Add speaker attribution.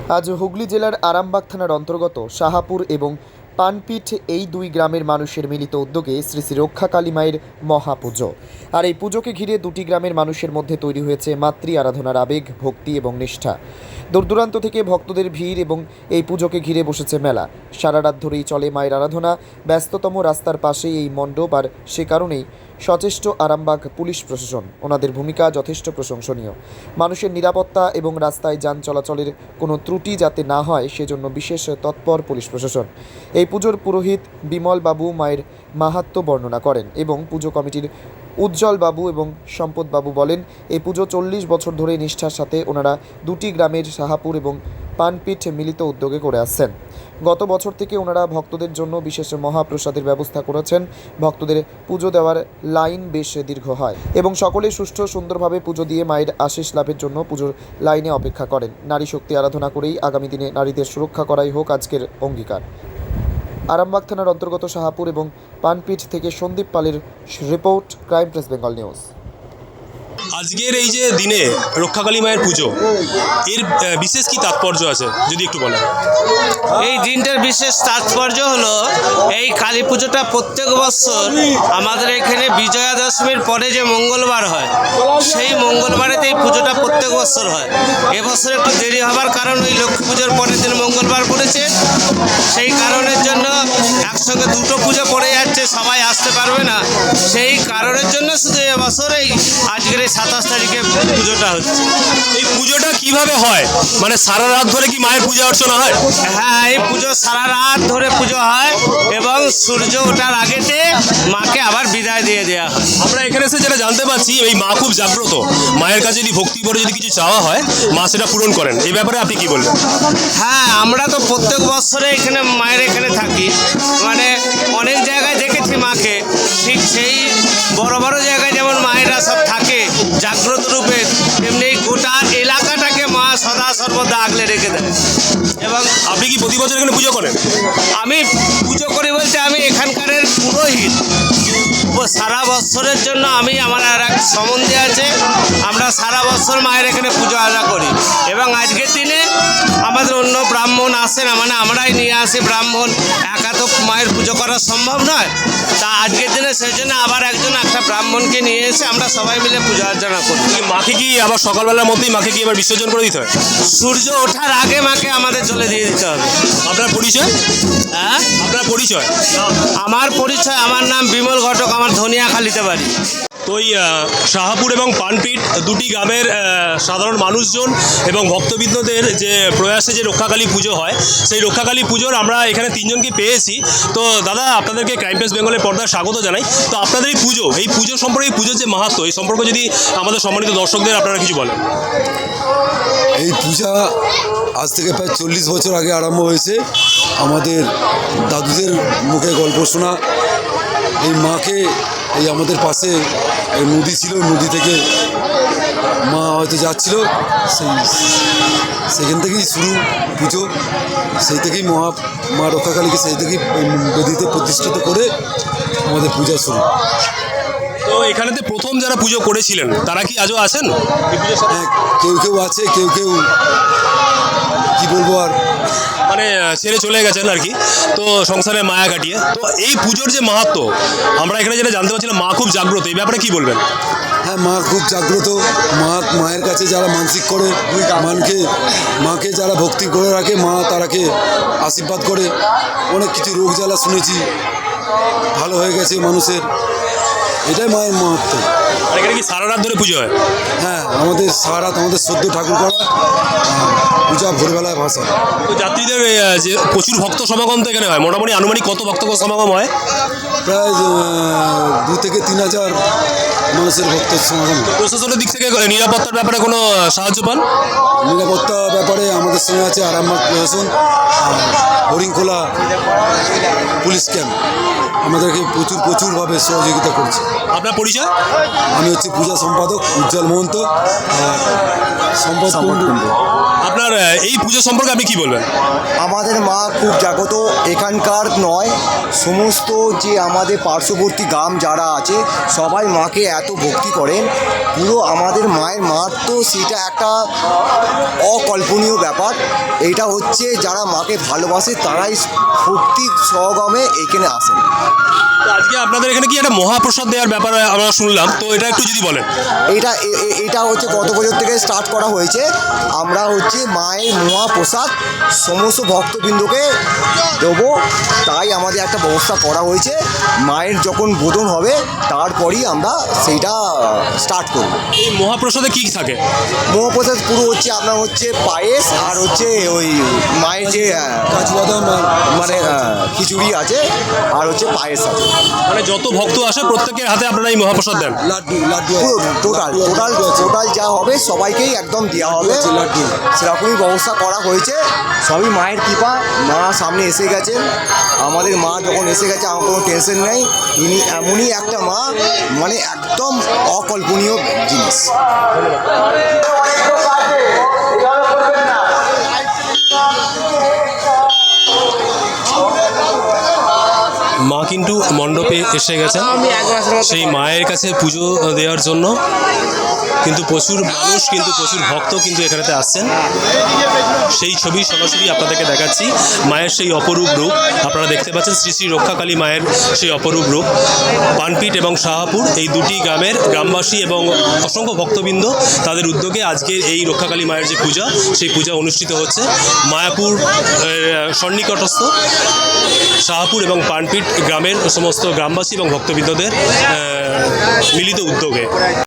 Speaker 1: আজ হুগলি জেলার আরামবাগ থানার অন্তর্গত শাহাপুর এবং পানপিঠ এই দুই গ্রামের মানুষের মিলিত উদ্যোগে শ্রী শ্রী রক্ষাকালী মায়ের মহাপুজো। আর এই পুজোকে ঘিরে দুটি গ্রামের মানুষের মধ্যে তৈরি হয়েছে মাতৃ আরাধনার আবেগ, ভক্তি এবং নিষ্ঠা। দূর দূরান্ত থেকে ভক্তদের ভিড় এবং এই পুজোকে ঘিরে বসেছে মেলা। সারা রাত ধরেই চলে মায়ের আরাধনা। ব্যস্ততম রাস্তার পাশেই এই মণ্ডপ, আর সে কারণেই সচেষ্ট আরামবাগ পুলিশ প্রশাসন। ওনাদের ভূমিকা যথেষ্ট প্রশংসনীয়। মানুষের নিরাপত্তা এবং রাস্তায় যান চলাচলের কোনো ত্রুটি যাতে না হয় সেজন্য বিশেষ তৎপর পুলিশ প্রশাসন। এই পুজোর পুরোহিত বিমল বাবু মায়ের মাহাত্ম্য বর্ণনা করেন এবং পুজো কমিটির উজ্জ্বল বাবু এবং সম্পদ বাবু বলেন, এই পুজো 40 বছর ধরে নিষ্ঠার সাথে ওনারা দুটি গ্রামের শাহাপুর এবং পানপিঠ মিলিত উদ্যোগে করে আসছেন। গত বছর থেকে ওনারা ভক্তদের জন্য বিশেষ মহাপ্রসাদের ব্যবস্থা করেছেন। ভক্তদের পুজো দেওয়ার লাইন বেশ দীর্ঘ হয় এবং সকলে সুষ্ঠু সুন্দরভাবে পুজো দিয়ে মায়ের আশীষ লাভের জন্য পুজোর লাইনে অপেক্ষা করেন। নারী শক্তি আরাধনা করেই আগামী দিনে নারীদের সুরক্ষা করাই হোক আজকের অঙ্গীকার। আরামবাগ থানার অন্তর্গত শাহাপুর এবং পানপিঠ থেকে সন্দীপ পালের report, crime press Bengal news.
Speaker 2: আজকের এই যে দিনে রক্ষাকালী মায়ের পুজো, এর বিশেষ কি তাৎপর্য আছে যদি একটু বলেন।
Speaker 3: এই দিনটার বিশেষ তাৎপর্য হলো, এই কালী পুজোটা প্রত্যেক বছর আমাদের এখানে বিজয়া দশমীর পরে যে মঙ্গলবার হয়, সেই মঙ্গলবারেতে এই পুজোটা প্রত্যেক বছর হয়। এবছর একটু দেরি হবার কারণ ওই লক্ষ্মী পুজোর পরের দিন মঙ্গলবার পড়েছে, সেই কারণের জন্য একসঙ্গে দুটো পুজো পড়ে যাচ্ছে, সবাই আসতে পারবে না। সেই কারণের জন্য শুধু এবছর এই আজকের এই 27 তারিখে পুজোটা হচ্ছে।
Speaker 2: এই পুজোটা কিভাবে হয়, মানে সারা রাত ধরে কি মায়ের পূজা অর্চনা হয়?
Speaker 3: হ্যাঁ, এই পুজো সারা রাত ধরে পুজো হয় এবং সূর্য ওঠার আগেতে মাকে আবার বিদায় দিয়ে দেওয়া হয়।
Speaker 2: আমরা এখানে এসে যেটা জানতে পারছি, এই মা খুব জাগ্রত। মায়ের কাছে যদি ভক্তি করে যদি কিছু চাওয়া হয়, মা সেটা পূরণ করেন। এই ব্যাপারে আপনি কি বলবেন?
Speaker 3: হ্যাঁ, আমরা তো প্রত্যেক বছরে এখানে মায়ের এখানে থাকি, মানে অনেক জায়গায় দেখেছি মাকে। ঠিক সেই বড় বড় জায়গায় যেমন মায়েরা সব থাকে জাগ্রত রূপে, তেমনি গোটা এলাকাটাকে মা সদা সর্বদা আগলে রেখে দেয়। এবং
Speaker 2: আপনি কি প্রতি বছর এখানে পুজো করেন?
Speaker 3: আমি পুজো করি বলতে আমি এখানকার পুরোহিত। সারা বছরের জন্য আমার আর এক সম্বন্ধী আছে, আমরা সারা বছর মায়ের এখানে পুজো আজা করি। এবং আজকের দিনে আমাদের অন্য ব্রাহ্মণ আসে না, মানে আমরাই নিয়ে আসি ব্রাহ্মণ। একা তো মায়ের পুজো করা সম্ভব নয়, তা আজকের দিনে সেই জন্য আবার একটা ব্রাহ্মণকে নিয়ে এসে আমরা সবাই মিলে পুজো অর্চনা করি।
Speaker 2: মাকে কি আবার সকালবেলার মধ্যেই মাকে কি আবার বিসর্জন করে দিতে হয়?
Speaker 3: সূর্য ওঠার আগে মাকে আমাদের জলে দিয়ে দিতে হবে।
Speaker 2: আপনার পরিচয়?
Speaker 3: হ্যাঁ,
Speaker 2: আপনার পরিচয়?
Speaker 3: আমার পরিচয়, আমার নাম বিমল ঘটক, আমার ধনিয়াখালীতে বাড়ি।
Speaker 2: তো এই শাহাপুর এবং পানপিঠ দুটি গ্রামের সাধারণ মানুষজন এবং ভক্তবৃন্দদের যে প্রয়াসে যে রক্ষাকালী পুজো হয়, সেই রক্ষাকালী পুজোর আমরা এখানে তিনজনকে পেয়েছি। তো দাদা, আপনাদেরকে ক্রাইম প্রেস বেঙ্গলের পর্দায় স্বাগত জানাই। তো আপনাদের এই পুজো সম্পর্কে, এই পুজোর যে মাহাত্ম্য, এই সম্পর্কে যদি আমাদের সম্মানিত দর্শকদের আপনারা কিছু বলেন।
Speaker 4: এই পূজা আজ থেকে প্রায় 40 বছর আগে আরম্ভ হয়েছে। আমাদের দাদুদের মুখে গল্প শোনা, এই মাকে, এই আমাদের পাশে এই নদী ছিল, নদী থেকে মা হয়তো যাচ্ছিল, সেখান থেকেই শুরু পুজো। সেই থেকেই মা রক্ষাকালীকে সেই থেকেই বেদিতে প্রতিষ্ঠিত করে আমাদের পূজা শুরু।
Speaker 2: তো এখানেতে প্রথম যারা পুজো করেছিলেন তারা কি আজও আছেন?
Speaker 4: হ্যাঁ, কেউ কেউ আছে, কেউ কেউ কি বলবো আর,
Speaker 2: মানে ছেড়ে চলে গেছেন আর কি, তো সংসারে মায়া কাটিয়ে। তো এই পুজোর যে মাহাত্ম্য আমরা এখানে যেটা জানতে পারছিলাম, মা খুব জাগ্রত, এই ব্যাপারে কি বলবেন?
Speaker 4: হ্যাঁ, মা খুব জাগ্রত। মায়ের কাছে যারা মানসিক করে, মাকে যারা ভক্তি করে রাখে, মা তারাকে আশীর্বাদ করে। অনেক কিছু রোগ জ্বালা শুনেছি ভালো হয়ে গেছে মানুষের, এটাই মায়ের মাহাত্ম্য।
Speaker 2: আর এখানে কি সারা রাত ধরে পুজো হয়?
Speaker 4: হ্যাঁ, আমাদের সারা রাত আমাদের সদ্য ঠাকুর করা পূজা ভোরবেলায় ভাষা।
Speaker 2: তো যাত্রীদের যে প্রচুর ভক্ত সমাগম তো এখানে হয়, মোটামুটি আনুমানিক কত ভক্ত সমাগম হয়?
Speaker 4: প্রায় 2 থেকে 3 হাজার মানুষের ভক্ত সমাগম।
Speaker 2: প্রশাসনের দিক থেকে নিরাপত্তার ব্যাপারে কোনো সাহায্য পান?
Speaker 4: নিরাপত্তা ব্যাপারে আমাদের সঙ্গে আছে আরামবাগ প্রশাসন, হরিংখোলা পুলিশ ক্যাম্প আমাদেরকে প্রচুরভাবে সহযোগিতা করছে।
Speaker 2: আপনার পরিচয়?
Speaker 4: আমি হচ্ছে পূজা সম্পাদক উজ্জ্বল মহন্ত, সম্পদ কুণ্ডু।
Speaker 2: আপনার এই পুজো সম্পর্কে আপনি কি বলবেন?
Speaker 5: আমাদের মা খুব জাগ্রত। এখানকার নয়, সমস্ত যে আমাদের পার্শ্ববর্তী গ্রাম যারা আছে সবাই মাকে এত ভক্তি করেন। পুরো আমাদের মায়ের মাহাত্ম্য সেটা একটা অকল্পনীয় ব্যাপার। এইটা হচ্ছে যারা মাকে ভালোবাসে তারাই ভক্তি সহগমে এখানে আসেন।
Speaker 2: তো আজকে আপনাদের এখানে কি একটা মহাপ্রসাদ দেওয়ার ব্যাপার আমরা শুনলাম, তো এটা একটু যদি বলেন।
Speaker 5: এটা হচ্ছে গত বছর থেকে স্টার্ট করা হয়েছে। আমরা হচ্ছে মায়ের মহাপ্রসাদ সমস্ত ভক্তবৃন্দকে দেবো, তাই আমাদের একটা ব্যবস্থা করা হয়েছে। মায়ের যখন বোধন হবে তারপরই আমরা সেইটা স্টার্ট করব।
Speaker 2: এই মহাপ্রসাদে কি থাকে?
Speaker 5: মহাপ্রসাদ পুরো হচ্ছে আপনার হচ্ছে পায়েস আর হচ্ছে ওই মায়ের যে
Speaker 4: কাজু বাদাম আর
Speaker 5: মানে খিচুড়ি আছে আর হচ্ছে পায়েস আছে।
Speaker 2: মানে যত ভক্ত আসে প্রত্যেকের হাতে আপনারা এই মহাপ্রসাদ দেন?
Speaker 4: লাড্ডু লাড্ডু
Speaker 5: পুরো টোটাল যা হবে সবাইকেই একদম দেওয়া হবে,
Speaker 4: লাড্ডু।
Speaker 5: সেরকমই ব্যবস্থা করা হয়েছে। সবই মায়ের কৃপা, মা সামনে এসে গেছেন। আমাদের মা যখন এসে গেছে আমার কোনো টেনশন নেই। ইনি এমনই একটা মা, মানে একদম অকল্পনীয় জিনিস।
Speaker 2: মা কিন্তু মণ্ডপে এসে গেছেন সেই মায়ের কাছে পুজো দেওয়ার জন্য। কিন্তু প্রচুর মানুষ, কিন্তু প্রচুর ভক্ত কিন্তু এখানেতে আসছেন। সেই ছবি সরাসরি আপনাদেরকে দেখাচ্ছি। মায়ের সেই অপরূপ রূপ আপনারা দেখতে পাচ্ছেন, শ্রী শ্রী রক্ষাকালী মায়ের সেই অপরূপ রূপ। পানপিট এবং শাহাপুর এই দুটি গ্রামের গ্রামবাসী এবং অসংখ্য ভক্তবৃন্দ তাদের উদ্যোগে আজকের এই রক্ষাকালী মায়ের যে পূজা, সেই পূজা অনুষ্ঠিত হচ্ছে মায়াপুর সন্নিকটস্থ শাহাপুর এবং পানপিট গ্রামের সমস্ত গ্রামবাসী এবং ভক্তবৃন্দদের মিলিত উদ্যোগে।